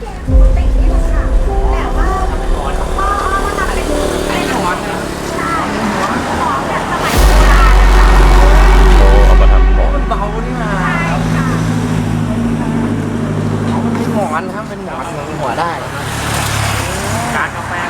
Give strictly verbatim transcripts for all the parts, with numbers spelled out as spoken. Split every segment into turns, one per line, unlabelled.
แกงปกตินี่แหละค่ะแต่ว่าหมอนพ่อมาทำเป็นเป็นหมอนนะใช่หมอนแบบสมัยโบราณนะคะ
โอ้เอามาทำหมอน
มันเบานี่มา
ใช่ค่ะ
มันเป็นหมอนนะครับเป็นหมอนหัวได้การกาแฟ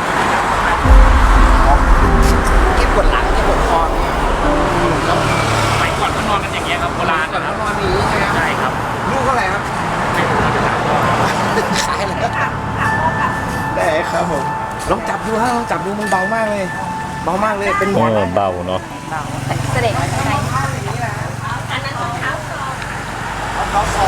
เก็บปวดหลังเก็บปวดคอเนี่ยสมัยก่อนเขานอนกันอย่างเงี้ยครับโบราณก่อนเขานอนอย่างนี้ใช่ไหมใช่ครับลูกเท่าไหร่ครับไม่รู้จะถามพ่อขายเลยได้ครับผมลองจับดูฮะลองจับดูมันเบามากเลยเบามากเลยเป็นหม
เอ
อน
อเบาเนาะ
เสด็จข้างใน
อันนั้นของเท้าซอเขาซอ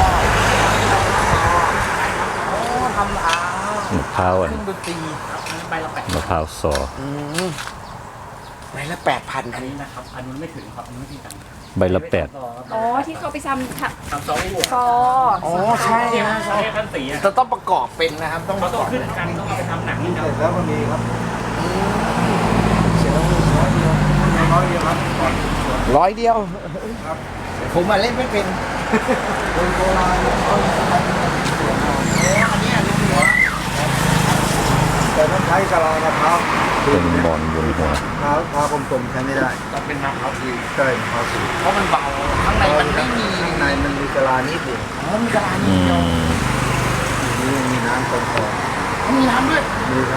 โอ้ทำอาม
ะพร้าวอ่ะ
เครื่องดนตรีครับอันนี้ใบละแปด
มะพร้าวซอ
อืมใบละแปดพัน
อันนี้นะครับ อันนู้นไม่ถึงครับอันนู้นไม่ถึงกัน
ใบละแปด
อ๋อที่เขาไปทำ
ทำซอสหัว
ฟอ
อ๋อใช่
เนี่ย
นะ
ซอสขั้นสีอะ
จะต้องประกอบเป็นนะครับ ต้อง
เขาต้องขึ้นกันต้องเอาไปทำหนังนี่ครับ
แล้วมันมีครับ
เสียร้อยเดียว
น้อยเดียวครับก่อน
ร้อยเดียว
ครับ
ผมมาเล่นไม่เป็น
คนโบราณเนี่ยเขาใช้เสียงเอา
อันนี้ลูกหัว
แต่ต้องใช้กะลามะพร้าว
เป็นหมอนบนหัว
มะพร้าวมะพร้าวกลมๆใช้ไม่ได้
ต้องเป็นมะพร้าวดี
ใช่มะพร้าวสี
เพราะมันเบาข้างในมันไม่มี
ข้างในมันมีกะลานิดเดียว
อ๋อมีกระดาษ
อื
นิดเดียว
ม
นี่ยังมีน้ำตรงคอ
อ๋อมีน้ำด้วย
มีครับ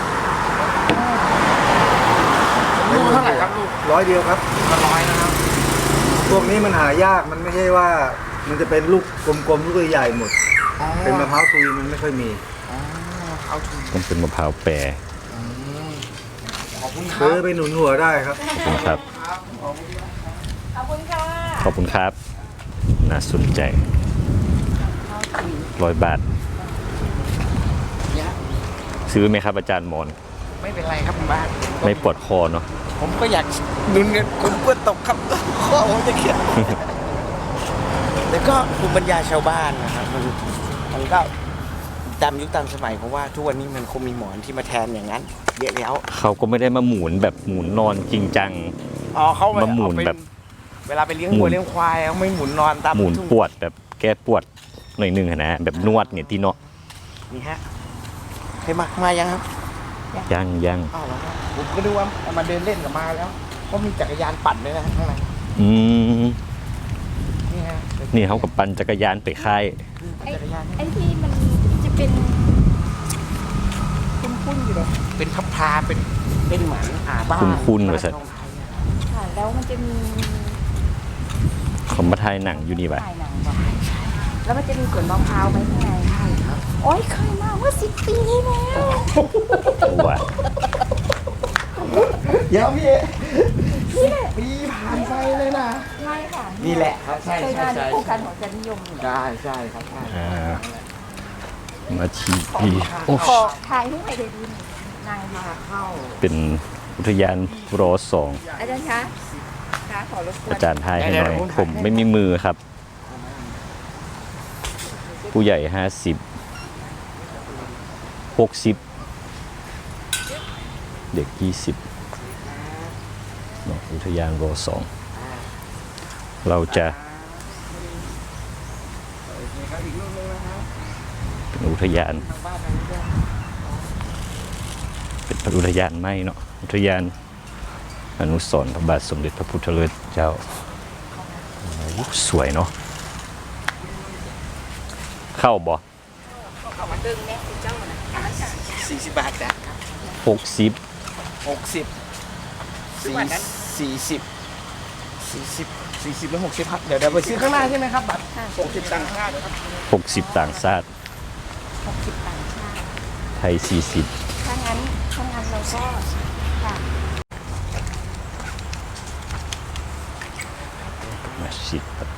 ลูกเท่าไหร่ครับลูก
ร้อยเดียวครับ
ละร้อยนะครับ
พวกนี้มันหายากมันไม่ใช่ว่า มันจะเป็นลูกกลมๆลูกใหญ่ๆหมด
อ๋อ
เป็นมะพร้าวซุยมันไม่ค่อยมี
อ๋อเอาถูก
ต้องเป็นมะพร้าวแปร
ขอบคุณครั
ซื้อบ ไปหนุนหัวได้ครับ
นะครับ
ขอบคุณค่ะ
ขอบคุณครับ น่าสนใจร้อยบาท
เนี่ย
ซื้อไหมครับอาจารย์หมอน
ไม่เป็นไรครับคุณบ้าน
ไม่ปวดคอเนาะ
ผมก็อยากดุนเงินผมกลัวตกครับ ข้อผมจะเครียด แต่ก็ภูมิปัญญาชาวบ้านนะครับมันมันก็ตามยุคตามสมัยเพราะว่าทุกวันนี้มันคงมีหมอนที่มาแทนอย่างนั้นเยอะแล้ว
เขาก็ไม่ได้มาหมุนแบบหมุนนอนจริงจัง
อ๋อเขา
มาหมุน
เอาไป
แบบ
เวลาไปเลี้ยง
หมุ
วัวน เลี้ยงควายเขาไม่หมุนนอนตาม
หมุน
ทุ่ง
ปวดแบบแก้ปวดหน่อยหนึงอะนะแบบนวดเนี่ยที่เนาะ
นี่ฮะเคยมามายังครับ
ยังยัง
อ้าวแล้วครับผมก็ดูว่ามาเดินเล่นกับมาแล้วเพราะมีจักรยานปั่นด้วยนะข้างใน
อืม
นี่ฮะ
นี่เขากับปั่นจักรยานไปค่าย
ปั่นจักรยาน
ไอ้ที่มันจะเป็นคุ้นๆอยู่เลย
เป็นพับพาเป็นเป็นเหมือนอ่าบ้าน
คุ้นๆว่าสัต
บ้า
ว์
ทองไทยอะ
ค่ะแล้วมันจะมี
เขามาถ่ายหนังอยู่นี่ปะ
ถ่ายหนังบอกแล้วมันจะมีสวนมะพร้าวไหมข้างในใช่ครับโอ้ยเคยมาเมื่อสิบปีที่แล้ว
ว่า
เดี๋ยวพี่
นี่แหละ
ปีผ่านไปเลยนะ
ใช่ค่ะ
นี่แหละครับใช่
เคย
ใช่
มา
ใช่
ที่โครงการของจันนิยมอยู่
ใช่ใช่ครับใช่
อ่ามาชีพีโอ้
ขอถ่ายรูปให้ได้ดูหน่อยนางมา
เข้า
เป็นอุทยานรอสอง
อาจารย์คะคะขอรบกวน
อาจารย์ทายให้หน่อย ผมไม่มีมือครับ ผู้ใหญ่ห้าสิบหกสิบเด็กยี่สิบอุทยานรอสองเราจะเป็นอุทยาน เป็นอุทยานไม่เนาะอุทยานอนุสรณ์พระบาทสมเด็จพระพุทธเลิศเจ้าโอ้สวยเนาะเข้าบ่
เขามาดึงแม่คุณเจ้านะ
สี่สิบบาทนะ
หกสิบ
หกสิบสี่สี่สิบสี่สิบสี่สิบหรือหกสิบครับเดี๋ยวเดี๋ยวไปซื้อข้างหน้าใช่ไหมครับบัตรหกสิบตังค์ข้างหน้าครับ
หกสิบต่างชาติ
หกสิบต่างชาติ
ไทยสี่สิบ
ถ้างั้นถ้างั้นเราก็ค่ะ
มาชิดครับ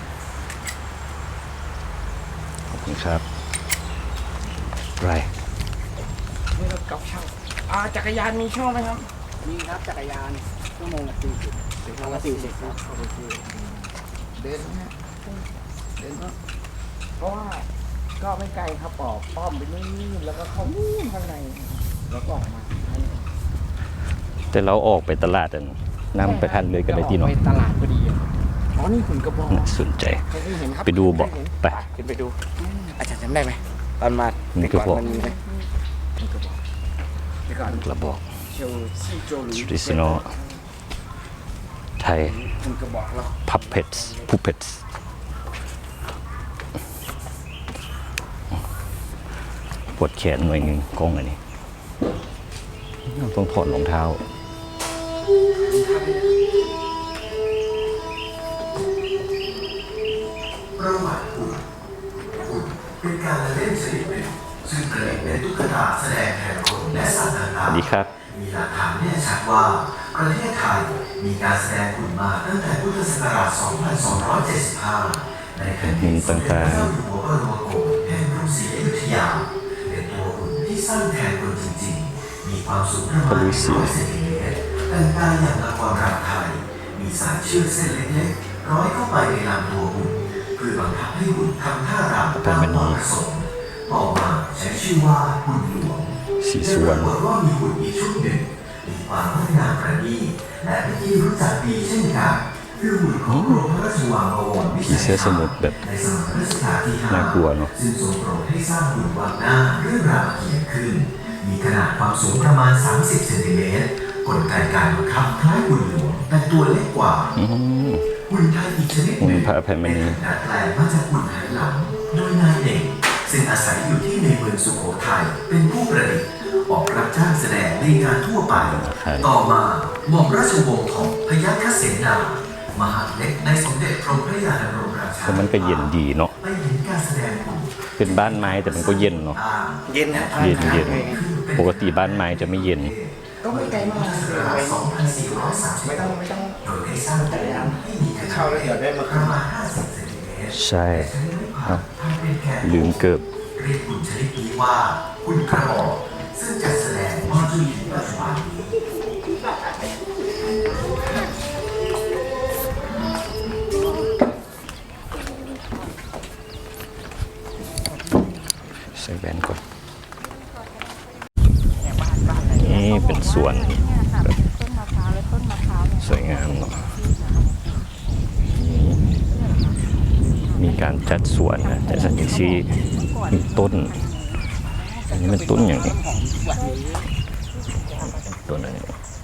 ขอบคุณครับไร
นี่รถเก่าเช่าอ่าจักรยานมีช่องไหมครับมีครับจักรยานชั่วโมงละสี่สิบชั่วโมงละสี่สิบครับโอเคเดินนะฮะเดินก็เพราะว่าก็ไม่ไกลครับออกป้อมไปนู่นแล้วก็เข้านู่นข้างในแล้วก็ออกมา
แต่เราออกไปตลาดอันนำไปทันเลยกันเลยที่เนาะ
ไปตลาดพอดีอะอ๋อนี่หุ่นกระบอก
น่าสนใจ
เคยเห็นครับ
ไปดูบ่
เคยเห็น
ไป
ขึ้นไปดูอาจารย์จำได้ไหมตอนมา
นี่กระบอก
มันมีไหมนี่กระบอกเดี๋ยวก่อน
กระบอก
เชลซีโจหรือ
traditional ไทย
มันกระบอกแล้ว
puppets puppets ปวดแขนหน่อยหนึ่งกล้องอันนี้ต้องถอดรองเท้า
ประวัติหุ่นหุ่นเป็นการละเล่นชนิดหนึ่งซึ่งผลิตเป็นตุ๊กตาแสดงแทนคนและสัตว์
ส
ต่าง
วัสดีครับ
ๆมีหลักฐานแน่ชัดว่าประเทศไทยมีการแสดงหุ่นมาตั้งแต่พุทธศักราช สองพันสองร้อยเจ็ดสิบห้า ในแผ่นดินสมเด็จพระเจ้าอยู่หัวบรมโกศแห่งกรุงศรีอยุธยา เป็นตัวหุ่นที่สร้างแทนคนจริงๆ มีความสูงประมาณหนึ่งร้อยเซนติเมตรแต่งกายอย่างละครรำไทย มีสายเชือกเส้นเล็กๆร้อยเข้าไปในลำตัวหุ่นเพื่อบังคับให้หุ่นทำท่ารำตามความประสงค์ต่อมาใช้ชื่อว่าหุ่นหลวง
สีส่วน
ปรากฏว่ามีหุ่นอีกชุดหนึ่งมีความงดงามประณีตและเป็นที่รู้จักดีเช่นกันคือหุ่นของกรมพระราชวังบวรวิ
ผี
ชัย
เสื้อสมุทรแบบ
ในสมัยรัชกาลที่ห้า
น่ากลัวเนอะ
ซึ่งทรงโปรดให้สร้างหุ่นวางหน้าเรื่องรามเกียรติ์ขึ้น มีขนาดความสูงประมาณ สามสิบเซนติเมตรกลไกการบังคับคล้ายหุ่นหลวงแต่ตัวเล็กกว่า
อืม
หุ่นไทยอีกชนิดหนึ่ง
หุ่นพระอภัยมณี
เป็นดัดแปลงมาจากหุ่นไหหลำโดยนายเอกซึ่งอาศัยอยู่ที่ในเมืองสุโขทัยเป็นผู้ประดิษฐ์ออกรับจ้างแสดงในงานทั่วไป ต่อมาหม่อมราชวงศ์ของพยัคฆเสนามหาดเล็กในสมเด็จพระพระยาดำรงราชา
แต่มันก็เย็นดีเนาะ
ไปเห็นการแสดงหุ่น
เป็นบ้านไม้แต่มันก็เย็นเนาะ
เย็นนะ
เย็นเย็นปกติบ้านไม้จะไม่เย็น
ก็ไม่ไกลมาก
สองพันสี่ร้อยสามสิบ
ไม่ต้องไม่ต้อง
โดยได้สร้างจักรยานให้มีขนาด
เช่าแล้วเดี๋ยวได้มา
ประมาณห้าสิบเซนติเมตร
ใช่
ใช้ไม้ไผ่ทำเป็นแกน
ลืมเกิบ
เรียกหุ่นชนิดนี้ว่าหุ่นกระบอกซึ่งจัดแสดงมาจนถึงปัจจุบันนี้
ใส่แว่นก่อน นี่เป็นสวน
เนี่ยค่ะเป็นต้นมะพร้าวและต้นมะพร้าวเนี่ย
สวยงามเนาะมีมีการจัดสวนนะแต่สันนิษฐานมีต้น อันนี้เป็นต้นอย่างนี้ต้นอะไร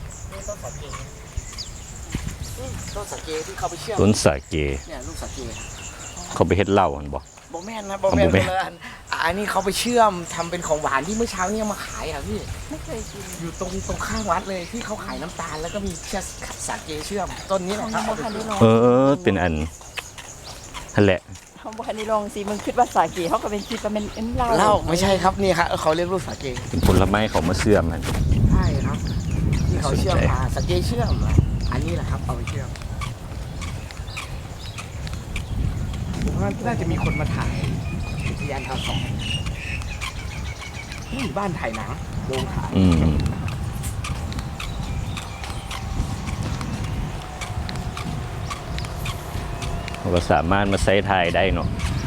ต้นสาเกที่เขาไปเชื่อม
ต้นสาเก
เนี่ยลูกสาเก
เขาไปเฮ็ดเหล้าหันบ่
โบแมนนะโบแมน
อ๋อบ่แม่น
คนละอันอันนี้เขาไปเชื่อมทำเป็นของหวานที่เมื่อเช้าเนี่ยมาขายอ่ะพี่
ไม่เคยกิน
อยู่ตรงตรงข้างวัดเลยที่เขาขายน้ำตาลแล้วก็มีเชือกสาเกเชื่อมต้นนี้แห
ขอ
ละ
ง
ครับ
โบคันดิลอง
เออ เป็นอันนั่นแหละ
ของโบคันดิลองสิมึงคิดว่าสาเกเขาก็เป็นคิดว่าเป็นเอ็นเหล้า
เหล้าไม่ใช่ครับนี่ครับเขาเรียกลูกสาเก
เป็นผลไม้เขามาเสื่อมมัน
ใช่ครับที่เขาเชื่อม
สนใจ
มาสาเกเชื่อมอะอันนี้แหละครับเอาไปเชื่อมผมว่าน่าจะมีคนมาถ่ายอุทยานทางสองนี่บ้านถ่ายหนังโรงถ่าย
อืมเราก็สามารถมาใช้ทายได้เนาะ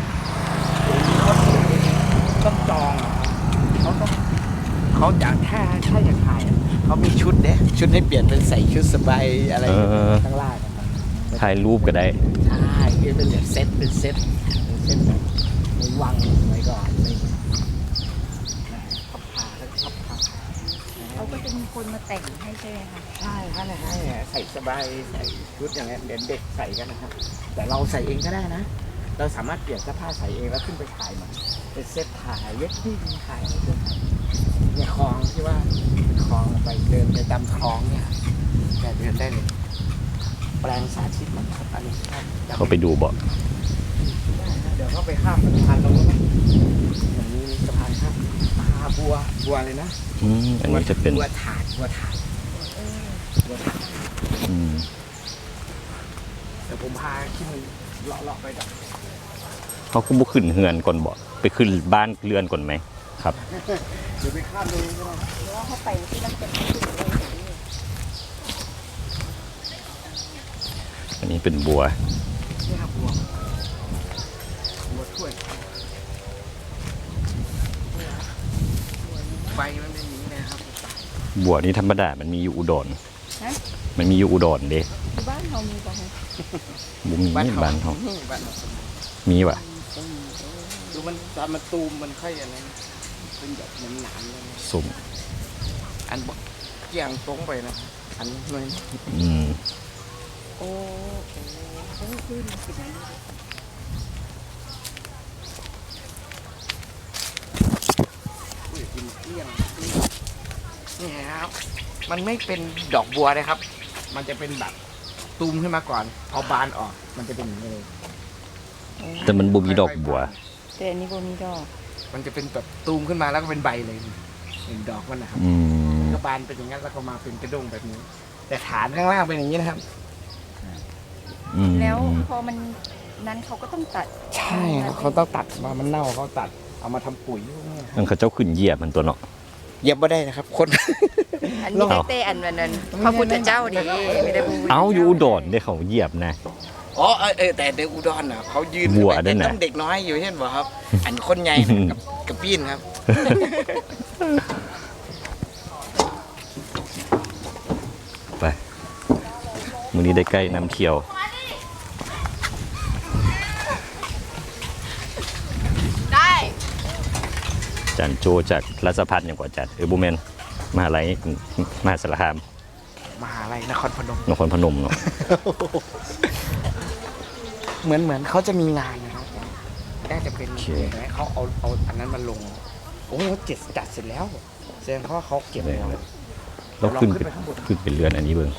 ต้องจองอะเขาต้องเขาอยากถ้าถ้าอยากถ่ายอะเขามีชุดเด้ชุดให้เปลี่ยนเป็นใส่ชุดสบายอะไร
เออ
ข้างล่างนะครับ
ถ่ายรูปก็ได้
ใช่คือเป็นแบบเซตเป็นเซตเป็นเซตแบบในวังสมัยก่อนอะไรอย่างเงี้ยเขาพาเขาชอบพา
เขาก็จะมีคนมาแต่งให้ใช่ไหมคะ
ใช่ใช่ใช่ใส่สบายใส่ชุดอย่างเงี้ยเด็กเด็กใส่กันนะครับ แต่เราใส่เองก็ได้นะ เราสามารถเปลี่ยนเสื้อผ้าใส่เองแล้วขึ้นไปถ่ายมันเป็นเซตถ่ายเวดดิ้งถ่ายอะไรพวกนี้เนี่ยคลองที่ว่าคลองไปเดินไปตามคลองเนี่ยแต่เดินได้เลยแปลงสาธิตมันครับอันนี้ครับ
เขาไปดูบ่
เดี๋ยวเขาไปข้ามสะพานตรงนู้นนะอย่างนี้มีสะพานข้ามปลาบัวบัวเลยนะ
อืมอันนี้จะเป็น
บัวถาดบัวถาดบัวถาด
อืม
เดี๋ยวผมพาขึ้นเลาะเลาะไปดอก
เขาก็บุขึ้นเฮือนก่อนบ่ไปขึ้นบ้านเรือนก่อนไหมครับ
เดี๋ยวไปข้ามตรงนี้ก็ได้
หรือว่าเขาไปที่นั่นเป็นที่เลยอย่างนี้
อันนี้เป็นบัว
นี่ครับบัวบัวถ้วยไฟมันเป็นอย่างนี้นะครับ
บัวนี่ธรรมดามันมีอยู่อุดร
ฮะ
มันมีอยู่อุดรเด้
ที่บ้านเขามีป่ะคะ
บุมีบ้านเขา
บ้านเรา
มีว่ะ
ดูมันตามมาตูมมันค่อยอะไรเป็นแบบเหมือนหนามเลย
สุ่ม
อันบอกเกี่ยงตรงไปนะอันหน่อย
อืม
โอ้โหโอ้ขึ้นมาสิอุ้ยกินเกลี้ยงนี่ครับมันไม่เป็นดอกบัวนะครับ มันจะเป็นแบบตูมขึ้นมาก่อนพอบานออกมันจะเป็นอย่างนี้เลย
แต่มันบ่มีดอกบัว
แต่อันนี้บ่มีดอก
มันจะเป็นแบบตูมขึ้นมาแล้วก็เป็นใบเลยเห็นดอกมันนะครับ
อืม
ก็บานเป็นอย่างนั้นแล้วก็มาเป็นกระด้งแบบนี้ แต่ฐานข้างล่างเป็นอย่างนี้นะครับ
อืม
แล้วพอมันนั้นเขาก็ต้องตัด
ใช่ครับเขาต้องตัดมามันเน่าเขาตัดเอามาทำปุ๋ยพวกนี้ครับ
มันเขาเจ้าขึ้นเหยียบมันตัวเนาะ
เย็บไม่ได้นะครับ คน
อันนี้ได้เต้อันนั้นพระพุทธเจ้าดีไม่ได้บู
เอ้าอยู่อุดรได้เขาเหยียบนะ
อ๋อเออเออแต่เด็กอุดรน่ะเขายืน
วัว
ขึ้
ด้วยนะ
ต้องเด็กน้อยอยู่เช่นบ่ครับ อันคนใหญ่กับกับปีนครับ
ไปมื้อนี้ได้ใกล้น้ำเที่ยว
ได้
จันโจจากรัชพัฒน์อย่างกว่าจัดเออบุแมนมหาลัยมหาสารคาม
มหาลัยนครพนม
นครพนมเนาะ
เหมือนเหมือนเขาจะมีงานนะครับน่าจะเป็นเห็นไหมเขาเอาเอาอันนั้นมาลง โอ้โหเจ็ดจัดเสร็จแล้วแสดงว่าเขาเก็บแล้ว
แล้วขึ้นเป็นขึ้นเป็นเรือนอันนี้เบิ่ง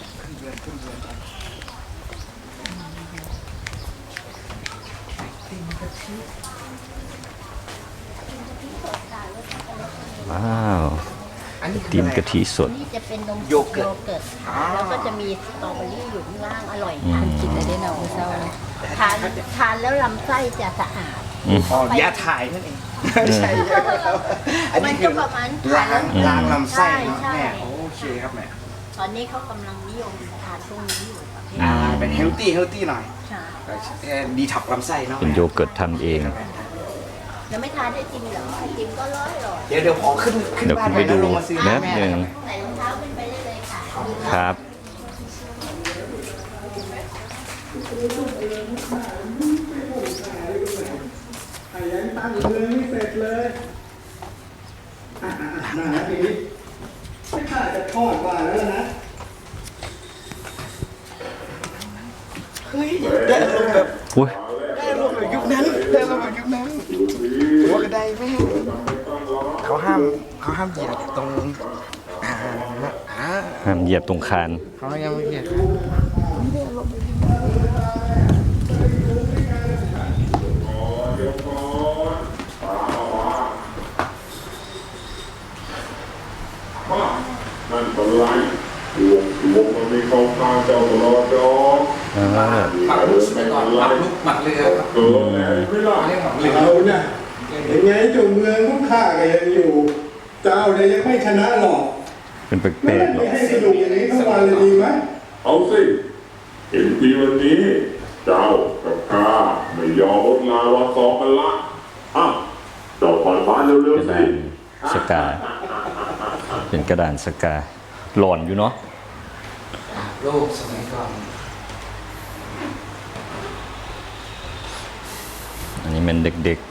ว้าว
อันนี้
ตีนกะทิสด
นี่จะเป็นนม
โยเกิร์ต
เกิร์ตแล้วก็จะมีสตรอเบอรี่อยู่ข้างล่างอร่อย
อืม
ทานกินได้ได้เนาะเศร้าทานทานแล้วลำไส้จะสะอาด
อืม
อ๋อยาถ่ายนั่นเองไม่ใช่ครับอัน
มั
นี้
น
คื
ก็
อ
ประมาณ
ล้าง
อืม
ล้างลำไส้เนาะ
ใช่
แม่
ใช่
โอเคครับแม่
ตอนนี้เขากำลังนิยมทานพวกนี้อยู่ประเภท
อ่าเป็นเฮลตี้เฮลตี้หน่อย
ใช่
ดีท็อกลำไส้เนาะ
เป็นโยเกิร์ตทำเอง
แล้วไม่ทานไอติมเหรอไอติมก็ร้อยหรอย
เดี๋ยวเดี๋ยวขอขึ้นขึ้น
เดี๋ยว
บ้าน
ขึ้นไป
แล้ว
ดู
ลงมาซื้อ
แป๊บ
แม่
หนึ่ง
ใส่รองเท้าขึ้นไปได้เลยค่ะ
ครับ
ตั้งเลยไม่เสร็จเลยอ่ะอ่ะอ่ะมาแล้วทีนี้ไม่ค่าจะทอดว่าแล้วนะ
เฮ้ยได้อารมณ์แบบ
อุ้ย
ได้อารมณ์แบบยุคนั้นได้อารมณ์แบบยุคนั้นหัวกระไดแม่งเขาห้ามเขาห้ามเหยียบตรงอ่าอ่า
ห้ามเหยียบตรงคาน
เขายังไม่เหยียบ
นั่นเป็นไรดวงดวงมันมีเข้าข้างเจ้าตลอดดอก
อ่า
หมักลุกไปก่อนหมักลุกหมักเรือครับ
เกิดแล้วไม่ล่ะ
เรียกหมักเรือ
เราเนี่ยยังไงเจ้าเมืองพวกข้าก็ยังอยู่ เจ้าเนี่ยยังไม่ชนะหรอก
เป็นแป
ไม่
ลกๆ
ได้
เนาะ
ให้สนุกอย่างนี้ทั้งวันเลยดีไหม
เอาสิเห็นทีวันนี้ เจ้ากับข้าไม่ยอมลดลาวาสอกกันละอ่ะเจ้าผ่อนบ้านเร็ว
กระ
ๆ
ดา
สิ
นสกา เป็นกระดานสกา หลอนอยู่เนาะ
โลกสมัยก่อน
อันนี้มันเด็ก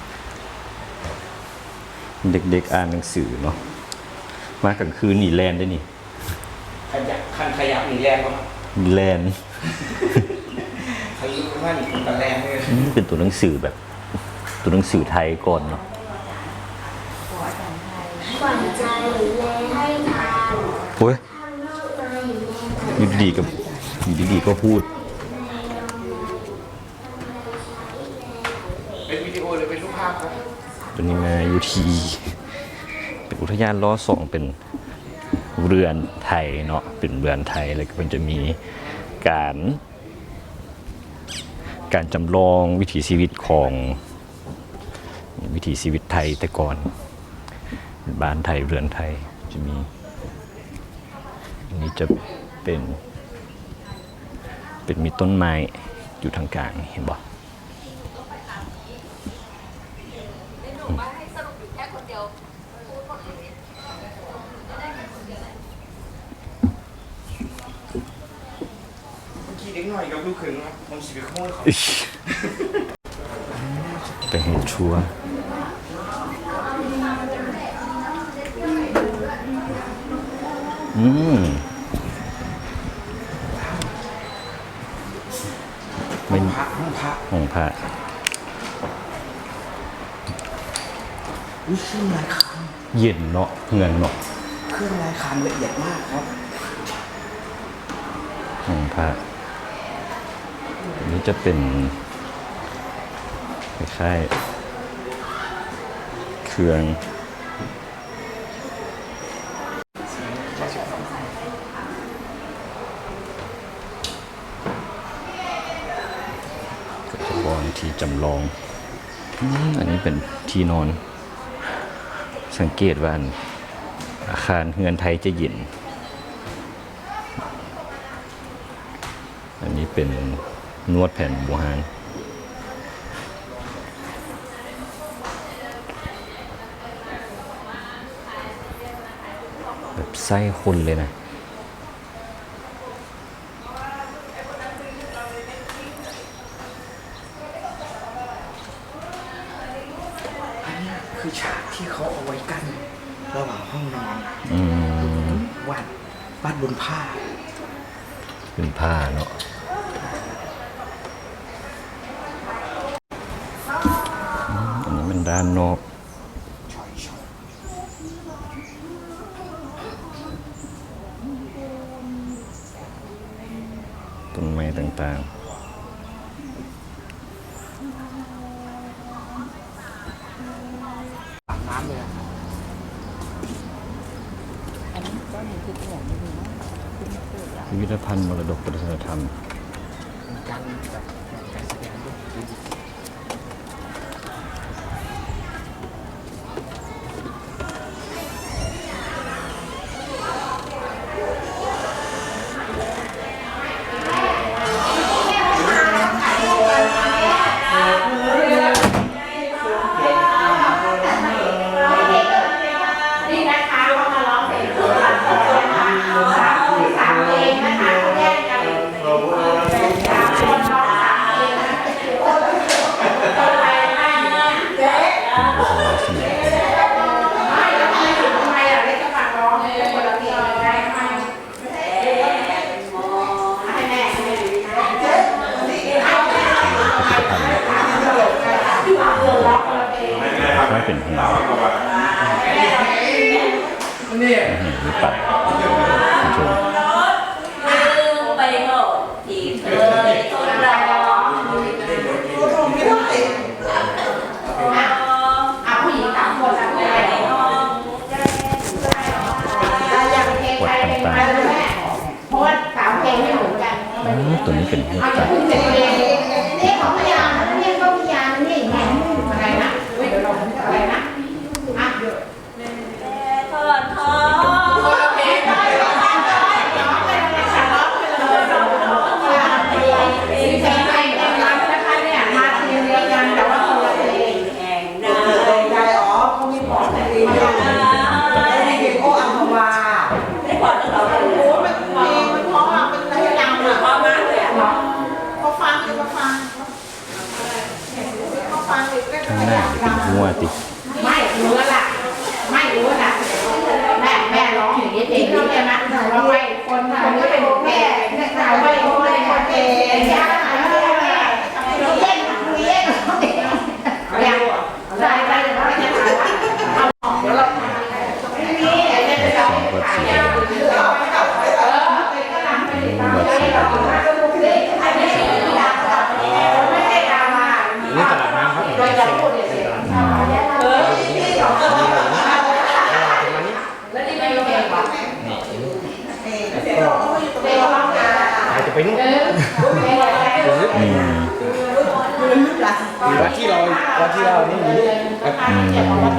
ๆ เด็กๆอ่านหนังสือเนาะ มากลางคืนนี่แลนได้นี่
ขยับคันขยับหนีแรงกว่า
แลน
เขายิ่งว่าหนีกันแรงเลย
อืมเป็นตัวหนังสือแบบ ตัวหนังสือไทยก่อนเนาะ
หวานใจแลให้ทาน
โอ้ยอยู่ดีๆก็อยู่ดีๆก็พูด
เป็นวิดีโอหรือเป็นรูปภาพครับ
ตัวนี้มาอยู่ที่เป็นอุทยานล้อสองเป็นเรือนไทยเนาะเป็นเรือนไทยแล้วก็มันจะมีการ การจำลองวิถีชีวิตของวิถีชีวิตไทยแต่ก่อนบ้านไทยเรือนไทยจะมีอันนี้จะเป็น เป็นมีต้นไม้อยู่ทางกลางเห็นบ่
เมื่อกี้เด็กหน่อยกับลูกเขยครับมันสิบขโมยเขา
ไปเห็นชัวร์อืมไม่
พระห้องพระ
ห้องพระ
อุ้ยเครื่องลายค
เย็นเนาะเงินเนาะ
ำเครื่องลายคำละเอียดมากครับ
ห้องพระอันนี้จะเป็นคล้ายๆเครื่องก็จะบอกที่จำลองอืมอันนี้เป็นที่นอน สังเกตว่าอาคารเฮือนไทยจะเย็น อันนี้เป็นนวดแผ่นบูฮานแบบไส้คนเลยนะ
อันนี้คือฉากที่เขาเอาไว้กั้นระหว่างห้องนอน
อืม
วาดวาดบนผ้า
เป็นผ้าเนาะอืมอันนี้มันด้านนอก ต้นไม้ต่างๆ
อาบน้ำเลยอะ
อันนี้ก็มีคือตัวไม่รู้นะคือไม่เกิดอะ
พิพิธภัณฑ์มรดกวัฒนธรรม
มีการแบบการแสดงด้วย
นี่นะคะเขามาร้องเพลงคู่กันนะคะสามคนสามเพลงนะคะเขาแยกกันเป็นสามคนร้องสามเพลงนะคนไปได้เนี่ยเจ๊
วัฒนธรรม
ไม่แล้วทำไมถึงทำไมอ่ะเล็กก็ฝากร้องเป็นคนละเพลงเลยได้ไหมให้แม่ให้แม่เจ๊เอาแม่
พิพิธภัณฑ์
ที่วางเงินร้องคนละเพลง
ก็เป็นหิน
นี่
หินหรือปัดคุณชม
ไปโง่ที่เคยทนรอ
อ่ะผู้หญิงสามคนสามคนอะไรเนาะอยากเพลงใครเพลงใครเลยแม่เพราะว่าสามเพลงไม่เหมือนกัน
อืมตัวนี้เป็นหัว
เอา
ใจ
จะพูดเจ็ดเพลงนี่ของพยานนะนี่ก็พยานนี่แหมอะไรนะเดี๋ยวเราอะไรนะอ่ะ
ทอดทอด
คนละเพลงได้ร้องไปเลยร้องไปเลยฉันร้องไปเลยร้องไปเลยเพลงเพลงเพลงเพลงรักนะคะเนี่ยมาเพลงเดียวกันแต่ว่าคนละเพลง
แห่งนา
ได้อ๋อเขามีบอกแต่เองไม่ได้เก็บโอ้อัมพวา
ไม่พอต้องเราเป็น
โอ้มันเพลงมันเพราะอ่ะมันเพลงอ่ะ
พ่อมากเลยอ่ะ
พอฟังเลยพอฟังพอฟังเลยก็
ข้างหน้าจะเป็นหัวติ
ไม่รู้แล้วล่ะไม่รู้นะแม่แม่ร้องอย่างนี้เพลงนี้ใช่ไหมว่าไม่คนคนก็เป็นแม่แต่ว่าคนไม่คนเป็นยากนะแม่แม่เย็นเย็นอย่างใส่ไปแต่ว่าจะถามว่าเอาออกเดี๋ยวเราไม่มีเดี๋ยวจะเอาไปขายยาหรือเอาไปกับเออก็นำไปตามที่เราก็ดูสิอันนี้ไม่ได้ดราม่าไม่ได้ดราม่านี่ตลาดน้ำครับโดยจะพูดเฉยๆเออที่สองแล้วนี่ไม่ยอมเองหรอนี่เดี๋ยวเดี๋ยวร้องนะ
อาจจะไปนู่น
เออ
อืม
วันที่เราวันที่เรานี่มี
อืม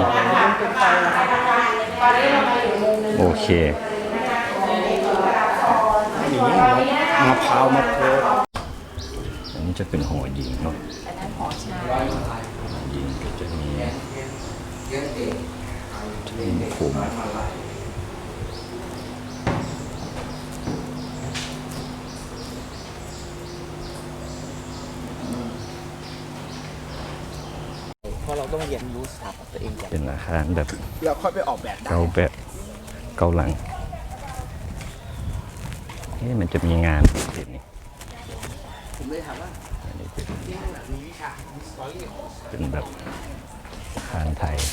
ตอนนี้เรามาอยู่มุมนึง
โอเค
หนีมะพร้าวมะโพร้าว
อันนี้จะเป็นหอยิงเนาะ
อันนั้นหอชา
หอยิงก็จะมีจะมีผม
เพราะเราต้องเรียนรู้สถาปัตย์ตัวเองก่อน
เป็นอาคารแบบ
แล้วค่อยไปออกแบบ
เก่าแบบเก่าหลังนี่มันจะมีงานเด็ดนี่
ผมเลยถามว่า
อันนี้เป็น
ที่นั่นมีวิชามีสตอรี่
เป็นแบบคานไทย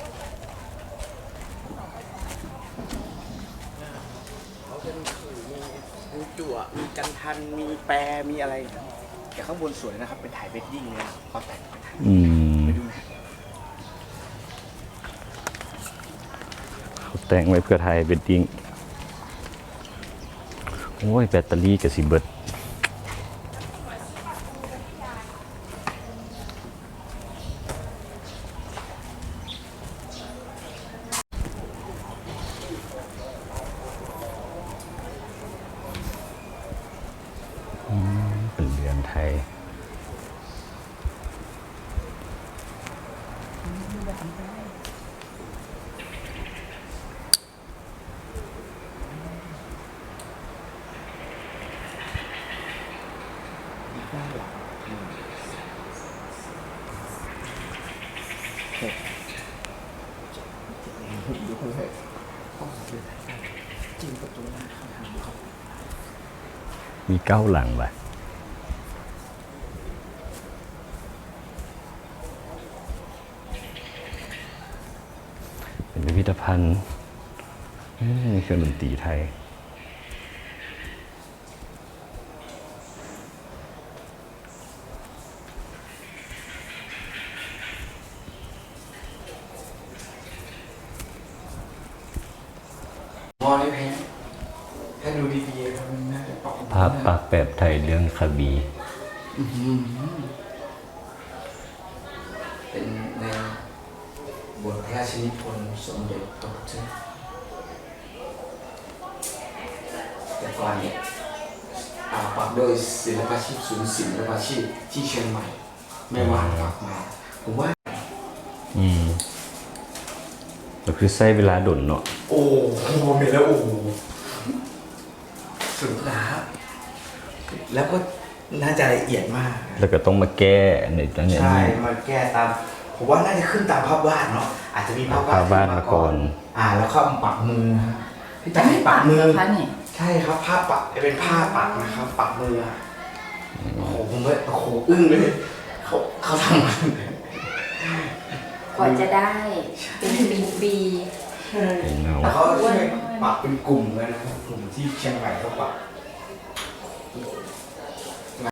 เขาจะมีขื่อมีมีจั่วมีกันทันมีแปรมีอะไรแต่ข้างบนสวยนะครับเป็นถ่ายเวดดิ้งเลยนะเขาแต่งเป็นถ่าย
อืม
ไปดูนะ
เขาแต่งไว้เพื่อไทยเวดดิ้งโอ้ยแบตเตอรี่กับสิเบิดอืมเป็นเรือนไทย
ดูเลยห้องเรือนไทยจริงประตูหน้าเข้าทางเขา
มีเก้าหลังว่ะเป็นพิพิธภัณฑ์เอ้ยเครื่องดนตรีไทย
มองในเพจถ้าดูดีๆครับมันน่าจะปรับ
ภาพปากแบบไทยเรื่องคาบี
เป็นในบทพระราชนิพนธ์สมเด็จพระพุทธแต่ก่อนเนี่ยอ่าปักโดยศิลปาชีพศูนย์ศิลปาชีพที่เชียงใหม่แม่วานปักมาผมว่า
อืมก็คือใช้เวลาดนเนาะ
โอ้โหเห็นแล้วโอ้โหสุดนะแล้วก็น่าจะละเอียดมาก
แล้วก็ต้องมาแก้ในตั้งแต่
ใช่
นี้
มาแก้ตามผมว่าน่าจะขึ้นตามภาพวาดเนาะอาจจะมีภาพวาด
ภาพวาดมาก่อน
อ่าแล้วก็มาปักมือฮะพี่ตั้งให้ปักมือ
คะนี่
ใช่ครับภาพปักเป็นผ้าปักนะครับ ปักมืออะโอ้โหผมเลยโอ้โหอึ้งเลยเขาเขาทำมัน
กว่าจะได้เป็นปีปี
เป็นเงา
แล้วเขาช่วยปักเป็นกลุ่มเลยนะครับกลุ่มที่เชียงใหม่เขาปัก